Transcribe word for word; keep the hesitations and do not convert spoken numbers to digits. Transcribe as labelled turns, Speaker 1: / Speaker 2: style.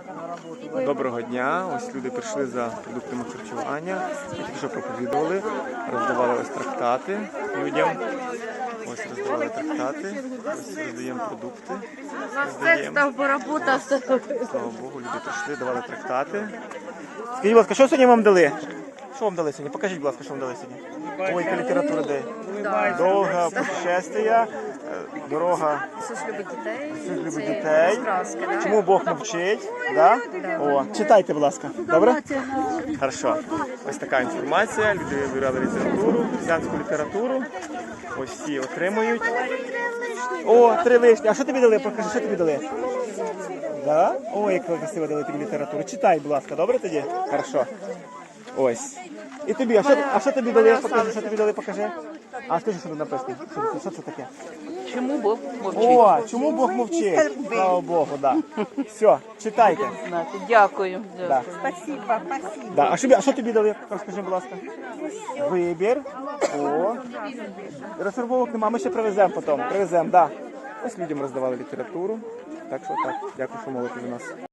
Speaker 1: Доброго дня. Ось люди прийшли за продуктами харчування. Ми тільки що проповідували, роздавали ось трактати людям. Ось роздавали трактати, ось роздаємо продукти. Роздаємо. Слава Богу, люди прийшли, давали трактати. Скажіть, будь ласка, що сьогодні вам дали? Що вам дали сьогодні? Покажіть, будь ласка, що вам дали сьогодні. Ой, яка література де? Довга путешествия, дорога.
Speaker 2: Ісус любить дітей.
Speaker 1: Ісус любить
Speaker 2: Це
Speaker 1: дітей.
Speaker 2: сказки, да?
Speaker 1: Чому Бог мовчить? Да? О, читайте, будь ласка. Добре? Хорошо. Ось така інформація. Люди вибирали літературу, християнську літературу. Ось всі отримують. О, три вишні. А що тобі дали? Покажи, що тобі дали? Да? Ой, як красиво дали тобі літературу. Читай, будь ласка, добре тоді? Хорошо. Ось. І тобі, а що, а що тобі дали? Покажи, що тобі дали, покажи. А скажи, що тут написано. Що, це- що це таке?
Speaker 3: Чому Бог мовчить?
Speaker 1: О, чому Бог мовчить? Слава Богу, да. Все, читайте.
Speaker 3: Знати. Дякую.
Speaker 1: Да.
Speaker 3: Дякую.
Speaker 4: Спасибо, спасибо.
Speaker 1: Да. А, що, а що тобі дали? Розкажи, будь ласка. Вибір. О. Розфарбовок нема, ми ще привеземо потім. Привеземо, да. Ось людям роздавали літературу. Так що так, дякую, що молите за нас.